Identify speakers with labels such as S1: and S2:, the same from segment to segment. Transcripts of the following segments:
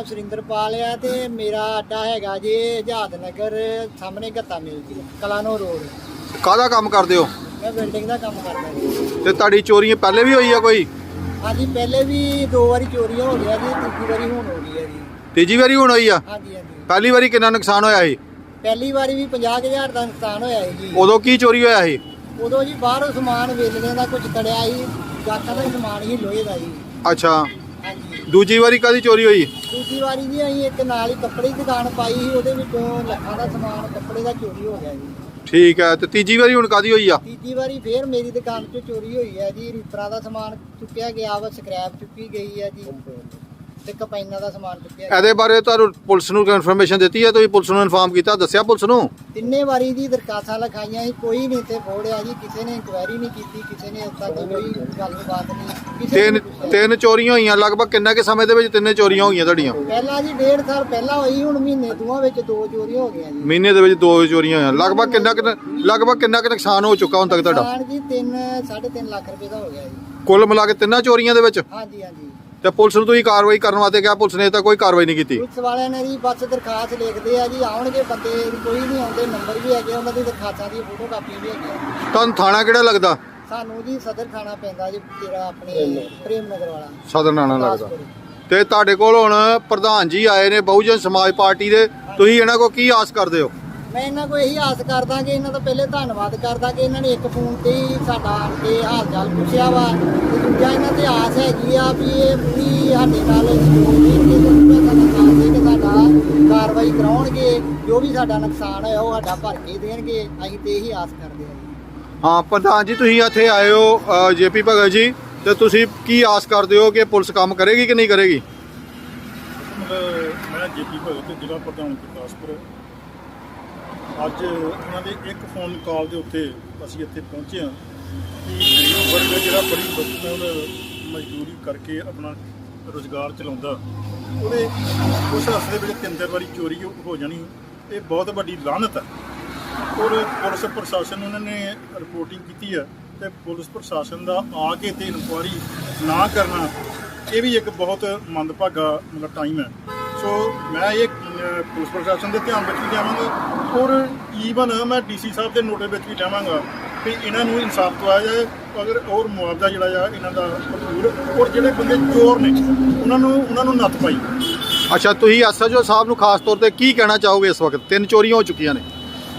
S1: ਸੁਰਿੰਦਰਪਾਲ ਆ ਤੇ ਮੇਰਾ ਅੱਡਾ ਹੈਗਾ ਜੀ ਆਜ਼ਾਦ ਨਗਰ ਸਾਹਮਣੇ ਗੱਤਾ ਮਿਲ ਜੀ ਕਲਾਨੋ ਰੋਡ।
S2: ਕਾਹਦਾ ਕੰਮ ਕਰਦੇ ਹੋ?
S1: ਮੈਂ ਬਿਲਡਿੰਗ ਦਾ ਕੰਮ ਕਰਦਾ ਜੀ।
S2: ਤੇ ਤੁਹਾਡੀ ਚੋਰੀਆਂ ਪਹਿਲੇ ਵੀ ਹੋਈ ਆ ਕੋਈ?
S1: ਹਾਂਜੀ ਪਹਿਲੇ ਵੀ 2 ਵਾਰੀ ਚੋਰੀਆਂ ਹੋ ਗਿਆ ਜੀ, ਤੀਜੀ ਵਾਰੀ ਹੁਣ ਹੋ ਗਈ ਹੈ ਜੀ।
S2: ਤੀਜੀ ਵਾਰੀ ਹੁਣ ਹੋਈ ਆ?
S1: ਹਾਂਜੀ ਹਾਂਜੀ।
S2: ਪਹਿਲੀ ਵਾਰੀ ਕਿੰਨਾ ਨੁਕਸਾਨ ਹੋਇਆ ਸੀ?
S1: ਪਹਿਲੀ ਵਾਰੀ ਵੀ 50,000 ਦਾ ਨੁਕਸਾਨ ਹੋਇਆ ਸੀ ਜੀ।
S2: ਉਦੋਂ ਕੀ ਚੋਰੀ ਹੋਇਆ ਸੀ?
S1: ਉਦੋਂ ਜੀ ਬਾਹਰੋਂ ਸਮਾਨ ਵੇਚਣੇ ਦਾ ਕੁਝ ਤੜਿਆ ਸੀ, ਗਾਤਾਂ ਦਾ ਸਮਾਨ ਹੀ ਲੋਹੇ ਦਾ ਜੀ।
S2: ਅੱਛਾ,
S1: ਹਾਂਜੀ।
S2: ਦੂਜੀ ਵਾਰੀ ਕਾਹਦੀ ਚੋਰੀ ਹੋਈ?
S1: ਦੂਜੀ ਵਾਰੀ ਜੀ ਅਸੀਂ ਇੱਕ ਨਾਲ ਹੀ ਕੱਪੜੇ ਦੀ ਦੁਕਾਨ ਪਾਈ ਸੀ, ਉਹਦੇ ਵਿੱਚੋਂ ਲੱਖਾਂ ਦਾ ਸਮਾਨ ਕੱਪੜੇ ਦਾ ਚੋਰੀ ਹੋ ਗਿਆ ਜੀ।
S2: ਠੀਕ ਹੈ, ਤੇ ਤੀਜੀ ਵਾਰੀ ਹੁਣ ਕਾਹਦੀ ਹੋਈ ਆ?
S1: ਤੀਜੀ ਵਾਰੀ ਫੇਰ ਮੇਰੀ ਦੁਕਾਨ 'ਚੋਂ ਚੋਰੀ ਹੋਈ ਹੈ ਜੀ। ਰੀਪਰਾਂ ਦਾ ਸਮਾਨ ਚੁੱਕਿਆ ਗਿਆ ਵਾ, ਸਕ੍ਰੈਪ ਚੁੱਕੀ ਗਈ ਹੈ ਜੀ, ਤੇ ਕਪਾਈਨਾਂ ਦਾ ਸਮਾਨ ਚੁੱਕਿਆ ਗਿਆ।
S2: ਇਹਦੇ ਬਾਰੇ ਤੁਹਾਨੂੰ ਪੁਲਿਸ ਨੂੰ ਇਨਫੋਰਮੇਸ਼ਨ ਦਿੱਤੀ ਹੈ? ਤੁਸੀਂ ਪੁਲਿਸ ਨੂੰ ਇਨਫਾਰਮ ਕੀਤਾ, ਦੱਸਿਆ ਪੁਲਿਸ ਨੂੰ?
S1: ਤਿੰਨੇ ਵਾਰੀ ਦੀ ਦਰਖਾਸਤਾਂ ਲਿਖਾਈਆਂ ਸੀ, ਕੋਈ ਨਹੀਂ ਤੇ ਫੋੜਿਆ ਜੀ। ਕਿਸੇ ਨੇ ਇਨਕੁਆਇਰੀ ਨਹੀਂ ਕੀਤੀ, ਕਿਸੇ ਨੇ ਉੱਤਾ ਕੋਈ ਗੱਲਬਾਤ ਨਹੀਂ। ਕਿਸੇ ਨੇ
S2: ਤਿੰਨ ਚੋਰੀਆਂ ਹੋਈਆਂ ਲਗਭਗ। ਕਿੰਨੇ ਕੇ ਸਮੇਂ ਦੇ ਵਿੱਚ ਤਿੰਨੇ ਚੋਰੀਆਂ ਹੋਈਆਂ ਤੁਹਾਡੀਆਂ?
S1: ਪਹਿਲਾਂ ਜੀ 1.5 ਸਾਲ ਪਹਿਲਾਂ ਹੋਈ, ਹੁਣ ਮਹੀਨੇ ਦੋਵਾਂ ਵਿੱਚ 2 ਚੋਰੀਆਂ ਹੋ ਗਈਆਂ ਜੀ।
S2: ਮਹੀਨੇ ਦੇ ਵਿੱਚ 2 ਚੋਰੀਆਂ ਹੋਈਆਂ। ਲਗਭਗ ਕਿੰਨਾ ਕੁ ਨੁਕਸਾਨ ਹੋ ਚੁੱਕਾ ਹੁਣ ਤੱਕ ਤੁਹਾਡਾ?
S1: ਨੁਕਸਾਨ ਜੀ 3.5 ਲੱਖ ਰੁਪਏ ਦਾ ਹੋ ਗਿਆ ਜੀ।
S2: ਕੁੱਲ ਮਿਲਾ ਕੇ ਤਿੰਨਾਂ ਚੋਰੀਆਂ ਦੇ ਵਿੱਚ?
S1: ਹਾਂਜੀ ਹਾਂਜੀ।
S2: ਤੇ ਪੁਲਿਸ ਨੂੰ ਤੁਸੀਂ ਕਾਰਵਾਈ ਕਰਨ ਵਾਸਤੇ ਕਿਹਾ, ਪੁਲਿਸ ਨੇ ਤਾਂ ਕੋਈ ਕਾਰਵਾਈ ਨਹੀਂ ਕੀਤੀ?
S1: ਪੁਲਿਸ ਵਾਲਿਆਂ ਨੇ ਜੀ ਬਸ ਦਰਖਾਸਤ ਲਿਖਦੇ ਆ ਜੀ, ਆਉਣਗੇ ਬੰਦੇ, ਕੋਈ ਨਹੀਂ ਆਉਂਦੇ। ਨੰਬਰ ਵੀ ਹੈਗੇ ਉਹਨਾਂ ਦੀ, ਦਰਖਾਸਤਾਂ ਦੀ ਫੋਟੋ ਕਾਪੀਆਂ ਵੀ ਹੈਗੀਆਂ।
S2: ਤੁਹਾਨੂੰ ਥਾਣਾ ਕਿਹੜਾ ਲੱਗਦਾ?
S1: ਸਾਨੂੰ ਜੀ ਸਦਰ ਥਾਣਾ ਪੈਂਦਾ ਜੀ, ਤੇਰਾ ਆਪਣੇ ਪ੍ਰੇਮ ਨਗਰ ਵਾਲਾ
S2: ਸਦਰ ਥਾਣਾ ਲੱਗਦਾ। ਤੇ ਤੁਹਾਡੇ ਕੋਲ ਹੁਣ ਪ੍ਰਧਾਨ ਜੀ ਆਏ ਨੇ ਬਹੁਜਨ ਸਮਾਜ ਪਾਰਟੀ ਦੇ, ਤੁਸੀਂ ਇਹਨਾਂ ਕੋਲ ਕੀ ਆਸ ਕਰਦੇ ਹੋ?
S1: ਮੈਂ ਇਹਨਾਂ ਕੋਲ ਇਹੀ ਆਸ ਕਰਦਾ ਕਿ ਇਹਨਾਂ ਦਾ ਪਹਿਲੇ ਧੰਨਵਾਦ ਕਰਦਾ ਕਿ ਇਹਨਾਂ ਨੇ ਇੱਕ ਫੋਨ ਤੇ ਹੀ ਸਾਡਾ ਆਣ ਕੇ ਹਾਲ ਚਾਲ ਪੁੱਛਿਆ ਵਾ। ਤੇ ਦੂਜਾ ਇਹਨਾਂ ਤੇ ਆਸ ਹੈਗੀ ਆ ਵੀ ਇਹ ਪੂਰੀ ਸਾਡੇ ਨਾਲ ਸਹਿਯੋਗ ਦੇਣਗੇ ਤੇ ਪੂਰਾ ਸਾਡਾ ਸਾਥ ਦੇ ਕੇ ਸਾਡਾ ਕਾਰਵਾਈ ਕਰਾਉਣਗੇ। ਜੋ ਵੀ ਸਾਡਾ ਨੁਕਸਾਨ ਹੋਇਆ ਉਹ ਸਾਡਾ ਭਰ ਕੇ ਦੇਣਗੇ। ਅਸੀਂ ਤੇ ਇਹੀ ਆਸ ਕਰਦੇ ਹਾਂ ਜੀ।
S2: ਹਾਂ ਪ੍ਰਧਾਨ ਜੀ, ਤੁਸੀਂ ਇੱਥੇ ਆਏ ਹੋ ਜੇਪੀ ਭਗਤ ਜੀ, ਤੇ ਤੁਸੀਂ ਕੀ ਆਸ ਕਰਦੇ ਹੋ ਕਿ ਪੁਲਿਸ ਕੰਮ ਕਰੇਗੀ ਕਿ ਨਹੀਂ ਕਰੇਗੀ?
S3: ਮੈਂ ਜੇਪੀ ਭਗਤ, ਜ਼ਿਲ੍ਹਾ ਪ੍ਰਧਾਨ ਗੁਰਦਾਸਪੁਰ। ਅੱਜ ਉਹਨਾਂ ਦੇ ਇੱਕ ਫੋਨ ਕਾਲ ਦੇ ਉੱਤੇ ਅਸੀਂ ਇੱਥੇ ਪਹੁੰਚੇ ਹਾਂ ਕਿ ਗਰੀਬ ਵਰਗ ਜਿਹੜਾ ਬੜੀ ਮੁਸ਼ਕਲ ਮਜ਼ਦੂਰੀ ਕਰਕੇ ਆਪਣਾ ਰੁਜ਼ਗਾਰ ਚਲਾਉਂਦਾ, ਉਹਦੇ ਉਸ ਰਸਤੇ ਵਿੱਚ 3 ਵਾਰੀ ਚੋਰੀ ਹੋ ਜਾਣੀ, ਇਹ ਬਹੁਤ ਵੱਡੀ ਲਾਹਨਤ ਹੈ। ਔਰ ਪੁਲਿਸ ਪ੍ਰਸ਼ਾਸਨ ਉਹਨਾਂ ਨੇ ਰਿਪੋਰਟਿੰਗ ਕੀਤੀ ਹੈ ਤੇ ਪੁਲਿਸ ਪ੍ਰਸ਼ਾਸਨ ਦਾ ਆ ਕੇ ਤੇ ਇਨਕੁਆਇਰੀ ਨਾ ਕਰਨਾ, ਇਹ ਵੀ ਇੱਕ ਬਹੁਤ ਮੰਦਭਾਗਾ ਟਾਈਮ ਹੈ। ਸੋ ਮੈਂ ਇਹ ਪੁਲਿਸ ਪ੍ਰਸ਼ਾਸਨ ਦੇ ਧਿਆਨ ਵਿੱਚ ਵੀ ਲਿਆਵਾਂਗਾ ਔਰ ਈਵਨ ਮੈਂ ਡੀਸੀ ਸਾਹਿਬ ਦੇ ਨੋਟਿਸ ਵਿੱਚ ਵੀ ਲਿਆਵਾਂਗਾ ਕਿ ਇਹਨਾਂ ਨੂੰ ਇਨਸਾਫ ਦਵਾਇਆ ਜਾਏ, ਅਗਰ ਔਰ ਮੁਆਵਜ਼ਾ ਜਿਹੜਾ ਆ ਇਹਨਾਂ ਦਾ ਭਰਪੂਰ, ਔਰ ਜਿਹੜੇ ਬੰਦੇ ਚੋਰ ਨੇ ਉਹਨਾਂ ਨੂੰ ਨੱਥ ਪਾਈ।
S2: ਅੱਛਾ, ਤੁਸੀਂ ਐਸਐਚਓ ਸਾਹਿਬ ਨੂੰ ਖਾਸ ਤੌਰ ਤੇ ਕੀ ਕਹਿਣਾ ਚਾਹੋਗੇ? ਇਸ ਵਕਤ 3 ਚੋਰੀਆਂ ਹੋ ਚੁੱਕੀਆਂ ਨੇ।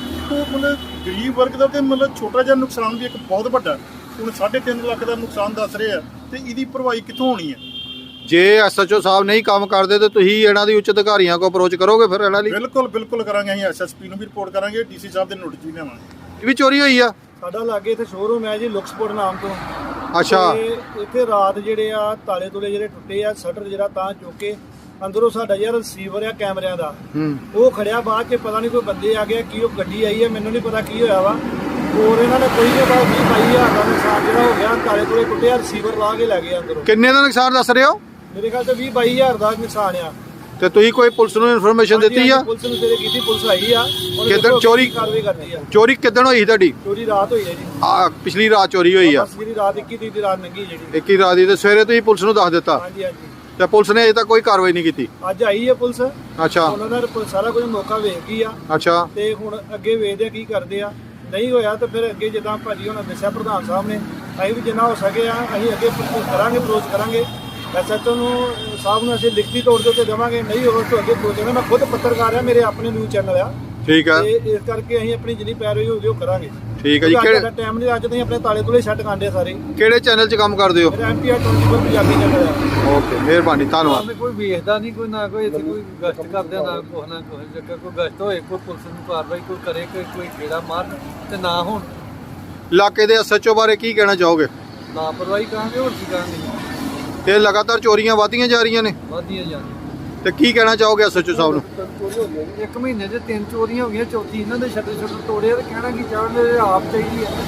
S3: ਮਤਲਬ ਗਰੀਬ ਵਰਗ ਦਾ ਤੇ ਛੋਟਾ ਜਿਹਾ ਨੁਕਸਾਨ ਵੀ ਇੱਕ ਬਹੁਤ ਵੱਡਾ, ਹੁਣ 3.5 ਲੱਖ ਦਾ ਨੁਕਸਾਨ ਦੱਸ ਰਹੇ ਆ, ਤੇ ਇਹਦੀ ਭਰਵਾਈ ਕਿੱਥੋਂ ਹੋਣੀ ਹੈ?
S2: ਜੇ ਐਸਐਚਓ ਸਾਹਿਬ ਨਹੀਂ ਕੰਮ ਕਰਦੇ ਤੇ ਤੁਸੀਂ ਇਹਨਾਂ ਦੀ ਉੱਚ ਅਧਿਕਾਰੀਆਂ ਕੋ ਅਪਰੋਚ ਕਰੋਗੇ ਫਿਰ ਇਹਨਾਂ ਲਈ?
S3: ਬਿਲਕੁਲ ਕਰਾਂਗੇ। ਅਸੀਂ ਐਸਐਸਪੀ ਨੂੰ ਵੀ ਰਿਪੋਰਟ ਕਰਾਂਗੇ, ਡੀਸੀ ਸਾਹਿਬ ਦੇ ਨੋਟਿਸ ਵੀ ਲਿਆਵਾਂਗੇ।
S2: ਇਹ ਵੀ ਚੋਰੀ ਹੋਈ ਆ?
S4: ਸਾਡਾ ਲਾਗੇ ਇੱਥੇ ਸ਼ੋਰੂਮ ਹੈ ਜੀ ਲੁਕਸਪੋਰਟ ਨਾਮ ਤੋਂ।
S2: ਅੱਛਾ।
S4: ਤੇ ਇੱਥੇ ਰਾਤ ਜਿਹੜੇ ਆ ਤਾਲੇ ਤੁਲੇ ਜਿਹੜੇ ਟੁੱਟੇ ਆ, ਸ਼ਟਰ ਜਿਹੜਾ ਤਾਂ ਚੁੱਕ ਕੇ ਅੰਦਰੋਂ ਸਾਡਾ ਜਿਹੜਾ ਰਿਸੀਵਰ ਆ ਕੈਮਰਿਆਂ ਦਾ ਉਹ ਖੜਿਆ, ਬਾਅਦ 'ਚ ਪਤਾ ਨਹੀਂ ਕੋਈ ਬੰਦੇ ਆ ਗਏ ਕੀ ਉਹ ਗੱਡੀ ਆਈ ਹੈ, ਮੈਨੂੰ ਨਹੀਂ ਪਤਾ ਕੀ ਹੋਇਆ ਵਾ। ਹੋਰ ਇਹਨਾਂ ਨੇ ਕੋਈ ਨਹੀਂ ਪਤਾ 20-22 ਹਜ਼ਾਰ ਦਾ ਨੁਕਸਾਨ ਜਿਹੜਾ ਹੋ ਗਿਆ, ਤਾਲੇ ਤੁਲੇ ਟੁੱਟੇ ਆ, ਰਿਸੀਵਰ ਲਾ ਕੇ ਲੈ ਗਏ ਅੰਦਰੋਂ।
S2: ਕਿੰਨੇ ਦਾ ਨੁਕਸਾਨ ਦੱਸ ਰਹੇ ਹੋ?
S4: ਮੇਰੇ ਖਿਆਲ ਤੇ 20-22 ਹਜ਼ਾਰ ਦਾ ਨੁਕਸਾਨ ਆ।
S2: ਤੇ ਤੁਸੀਂ ਕੋਈ ਪੁਲਿਸ ਨੂੰ ਇਨਫੋਰਮੇਸ਼ਨ ਦਿੱਤੀ ਆ?
S4: ਪੁਲਿਸ ਨੂੰ ਜਿਹੜੇ ਕੀਤੀ, ਪੁਲਿਸ ਆਈ ਆ।
S2: ਕਿੱਦਣ ਚੋਰੀ
S4: ਕਾਰਵਾਈ ਕਰਦੀ ਆ?
S2: ਚੋਰੀ ਕਿੱਦਣ ਹੋਈ ਤੁਹਾਡੀ?
S4: ਚੋਰੀ ਰਾਤ ਹੋਈ ਹੈ ਜੀ।
S2: ਪਿਛਲੀ ਰਾਤ ਚੋਰੀ ਹੋਈ ਆ?
S4: ਜਿਹੜੀ ਰਾਤ 21 ਤਰੀਕ ਦੀ ਰਾਤ ਲੰਘੀ ਜਿਹੜੀ
S2: 21 ਰਾਤ ਦੀ। ਤੇ ਸਵੇਰੇ ਤੁਸੀਂ ਪੁਲਿਸ ਨੂੰ ਦੱਸ ਦਿੱਤਾ?
S4: ਹਾਂਜੀ ਹਾਂਜੀ।
S2: ਤੇ ਪੁਲਿਸ ਨੇ ਅਜੇ ਤੱਕ ਕੋਈ ਕਾਰਵਾਈ ਨਹੀਂ ਕੀਤੀ?
S4: ਅੱਜ ਆਈ ਹੈ ਪੁਲਿਸ।
S2: ਅੱਛਾ।
S4: ਉਹਨਾਂ ਦਾ ਸਾਰਾ ਕੁਝ ਮੌਕਾ ਵੇਖ ਗਈ ਆ।
S2: ਅੱਛਾ।
S4: ਤੇ ਹੁਣ ਅੱਗੇ ਵੇਖਦੇ ਆ ਕੀ ਕਰਦੇ ਆ। ਨਹੀਂ ਹੋਇਆ ਤਾਂ ਫਿਰ ਅੱਗੇ ਜਿੱਦਾਂ ਭਾਜੀ ਉਹਨਾਂ ਦੱਸਿਆ ਪ੍ਰਧਾਨ ਸਾਹਿਬ ਨੇ, ਅਸੀਂ ਵੀ ਜਿੰਨਾ ਹੋ ਸਕੇ ਆ ਅਸੀਂ ਅੱਗੇ ਕਰਾਂਗੇ, ਅਪਰੋਚ ਕਰਾਂਗੇ। ਐਸਐਚਓ ਨੂੰ ਸਾਹਿਬ ਨੂੰ ਅਸੀਂ ਲਿਖਤੀ ਤੌਰ ਦੇ ਉੱਤੇ ਦੇਵਾਂਗੇ। ਨਹੀਂ ਹੋਵੇ ਤਾਂ ਅੱਗੇ ਪਹੁੰਚਾਂਗੇ। ਮੈਂ ਖੁਦ ਪੱਤਰਕਾਰ ਆ, ਮੇਰੇ ਆਪਣੇ ਨਿਊਜ਼ ਚੈਨਲ ਆ।
S2: ਠੀਕ ਆ।
S4: ਤੇ ਇਸ ਕਰਕੇ ਅਸੀਂ ਆਪਣੀ ਜਿੰਨੀ ਪੈਰਵੀ ਹੋਊਗੀ ਉਹ ਕਰਾਂਗੇ।
S2: ਠੀਕ ਹੈ ਜੀ।
S4: ਕਿਹੜਾ ਟਾਈਮ ਨਹੀਂ, ਅੱਜ ਤੁਸੀਂ ਆਪਣੇ ਤਾਲੇ ਤੁਲੇ ਛੱਡ ਕਾਂਡੇ ਸਾਰੇ।
S2: ਕਿਹੜੇ ਚੈਨਲ 'ਚ ਕੰਮ ਕਰਦੇ ਹੋ?
S4: ਮੇਰਾ ਐਮਪੀਆਰ 24 ਪੰਜਾਬੀ ਚੈਨਲ ਆ।
S2: ਓਕੇ, ਮਿਹਰਬਾਨੀ, ਧੰਨਵਾਦ।
S5: ਕੋਈ ਵੇਖਦਾ ਨਹੀਂ, ਕੋਈ ਨਾ ਕੋਈ ਇੱਥੇ ਕੋਈ ਗਸ਼ਤ ਕਰਦੇ ਨਾ ਕੁਛ ਨਾ ਕੁਛ, ਜੇਕਰ ਕੋਈ ਗਸ਼ਤ ਹੋਏ, ਕੋਈ ਪੁਲਿਸ ਨੂੰ ਕਾਰਵਾਈ ਕੋਈ ਕਰੇ, ਕੋਈ ਗੇੜਾ ਮਾਰਨ ਤੇ ਨਾ ਹੋਣ।
S2: ਇਲਾਕੇ ਦੇ ਐਸਐਚਓ ਬਾਰੇ ਕੀ ਕਹਿਣਾ ਚਾਹੋਗੇ?
S5: ਲਾਪਰਵਾਹੀ ਕਹਾਂਗੇ, ਹੋਰ ਕੀ ਕਹਾਂਗੇ।
S2: ਤੇ ਲਗਾਤਾਰ ਚੋਰੀਆਂ ਵਧਦੀਆਂ ਜਾ ਰਹੀਆਂ ਨੇ,
S5: ਵਧੀਆ ਜਾਂਦੀ।
S2: ਤੇ ਕੀ ਕਹਿਣਾ ਚਾਹੋਗੇ ਐਸਐਚਓ ਸਾਹਿਬ ਨੂੰ?
S5: ਇੱਕ ਮਹੀਨੇ 'ਚ 3 ਚੋਰੀਆਂ ਹੋ ਗਈਆਂ, ਚੌਥੀ ਇਹਨਾਂ ਦੇ ਛੱਡੇ ਤੋੜੇ ਤੇ ਕਹਿਣਾ ਕੀ ਚਾਹੁੰਦੇ, ਆਪ ਚਾਹੀਦੀ ਹੈ।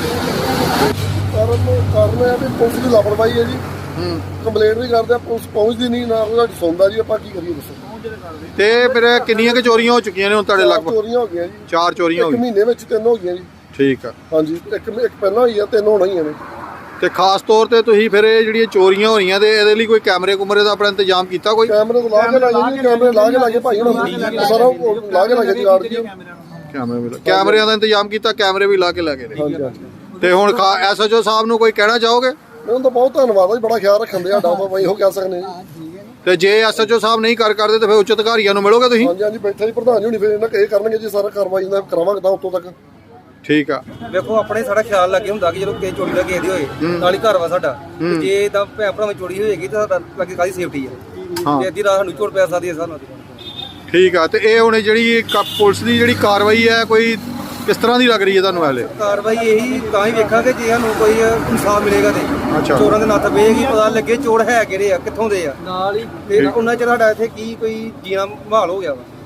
S6: ਕਾਰਨ ਹੈ ਵੀ ਪੁਲਿਸ ਦੀ ਲਾਪਰਵਾਹੀ ਹੈ ਜੀ। ਕੰਪਲੇਂਟ ਵੀ ਕਰਦੇ ਆ, ਪੁਲਿਸ ਪਹੁੰਚਦੀ ਨਹੀਂ, ਨਾ ਉਹਦਾ ਸੁਣਦਾ ਜੀ। ਆਪਾਂ ਕੀ ਕਰੀਏ ਦੱਸੋ?
S2: ਤੇ ਫਿਰ ਕਿੰਨੀਆਂ ਕੁ ਚੋਰੀਆਂ ਹੋ ਚੁੱਕੀਆਂ ਨੇ ਹੁਣ ਤੁਹਾਡੇ ਲਗਭਗ?
S6: ਚੋਰੀਆਂ ਹੋ ਗਈਆਂ ਜੀ।
S2: 4 ਚੋਰੀਆਂ ਹੋ
S6: ਇੱਕ
S2: ਗਈਆਂ।
S6: ਮਹੀਨੇ ਵਿੱਚ 3 ਹੋ ਗਈਆਂ ਜੀ।
S2: ਠੀਕ ਆ।
S6: ਹਾਂਜੀ, ਇੱਕ ਪਹਿਲਾਂ ਹੋਈ ਆ, 3 ਹੋਣਾ ਹੀ ਨੇ।
S2: ਤੇ ਖਾਸ ਤੌਰ ਤੇ ਤੁਸੀਂ ਫਿਰ ਇਹ ਜਿਹੜੀਆਂ ਚੋਰੀਆਂ ਹੋ ਰਹੀਆਂ ਤੇ ਇਹਦੇ ਲਈ ਕੋਈ ਕੈਮਰੇ ਕੁਮਰੇ ਦਾ ਆਪਣਾ ਇੰਤਜ਼ਾਮ ਕੀਤਾ ਕੋਈ?
S6: ਕੈਮਰੇ ਤੋਂ ਲਾ ਕੇ ਲਾਏ ਜੀ, ਕੈਮਰੇ ਲਾ ਕੇ ਲਾਗੇ ਭਾਈ ਹੁਣ ਸਾਰਾ ਉਹ ਲਾ ਕੇ ਲਾਗੇ ਜੀ ਗਾਰਡ ਜੀ।
S2: ਕੈਮਰਿਆਂ ਦਾ ਇੰਤਜ਼ਾਮ ਕੀਤਾ, ਕੈਮਰੇ ਵੀ ਲਾ ਕੇ ਲੈ ਗਏ ਨੇ।
S6: ਹਾਂਜੀ ਹਾਂਜੀ
S2: ਤੇ ਹੁਣ ਐਸਐਚਓ ਸਾਹਿਬ ਨੂੰ ਕੋਈ ਕਹਿਣਾ ਚਾਹੋਗੇ?
S6: ਉਹਨਾਂ ਦਾ ਬਹੁਤ ਧੰਨਵਾਦ ਜੀ, ਬੜਾ ਖਿਆਲ ਰੱਖਣ ਦੇ ਸਾਡਾ ਆਪਾਂ ਇਹੋ ਕਹਿ ਸਕਦੇ ਜੀ।
S2: ਤੇ ਜੇ ਐਸਐਚਓ ਸਾਹਿਬ ਨਹੀਂ ਕਰਦੇ ਤੇ ਫਿਰ ਉੱਚ ਅਧਿਕਾਰੀਆਂ ਨੂੰ ਮਿਲੋਗੇ ਤੁਸੀਂ?
S6: ਹਾਂਜੀ ਹਾਂਜੀ ਬੈਠਾ ਜੀ ਪ੍ਰਧਾਨ ਜੀ ਹੁਣੀ ਫਿਰ ਇਹਨਾਂ ਇਹ ਕਰਨਗੇ ਜੀ, ਸਾਰਾ ਕਾਰਵਾਈ ਇਹਨਾਂ ਕਰਾਵਾਂਗੇ ਤਾਂ ਉੱਤੋਂ ਤੱਕ।
S2: ਠੀਕ ਆ।
S7: ਵੇਖੋ ਆਪਣੇ ਸਾਡਾ ਖਿਆਲ ਲੱਗੇ ਹੁੰਦਾ ਕਿ ਜਦੋਂ ਕਿਸੇ ਚੋਰੀ ਦਾ ਕਿਸੇ ਦੀ ਹੋਏ ਨਾਲ ਹੀ ਘਰ ਵਾ ਸਾਡਾ, ਤੇ ਜੇ ਤਾਂ ਭੈਣ ਭਰਾਵਾਂ ਚੋਰੀ ਹੋਏਗੀ ਤਾਂ ਸਾਡਾ ਲੱਗੇ ਕਾਹਦੀ ਸੇਫਟੀ ਹੈ, ਤੇ ਅੱਧੀ ਰਾਤ ਸਾਨੂੰ ਝੋੜ ਪੈ ਸਕਦੀ ਹੈ ਸਾਨੂੰ।
S2: ਠੀਕ ਆ। ਤੇ ਇਹ ਹੁਣ ਜਿਹੜੀ ਪੁਲਿਸ ਦੀ ਜਿਹੜੀ ਕਾਰਵਾਈ ਹੈ ਕੋਈ ਕਿਸ ਤਰ੍ਹਾਂ ਦੀ ਲੱਗ ਰਹੀ ਹੈ ਤੁਹਾਨੂੰ ਹਲੇ?
S7: ਕਾਰਵਾਈ ਇਹੀ ਤਾਂ ਹੀ ਵੇਖਾਂਗੇ ਜੇ ਸਾਨੂੰ ਕੋਈ ਇਨਸਾਫ ਮਿਲੇਗਾ ਤੇ
S2: ਅੱਛਾ।
S7: ਚੋਰਾਂ ਦੇ ਨੱਥ ਵੇਗੀ, ਪਤਾ ਲੱਗੇ ਚੋਰ ਹੈ ਕਿਹੜੇ ਆ, ਕਿੱਥੋਂ ਦੇ ਆ,
S5: ਨਾਲ ਹੀ
S7: ਤੇ ਉਹਨਾਂ ਚ ਸਾਡਾ ਇੱਥੇ ਕੀ ਕੋਈ ਜੀਣਾ ਮਾਹੌਲ ਹੋ ਗਿਆ ਵਾ।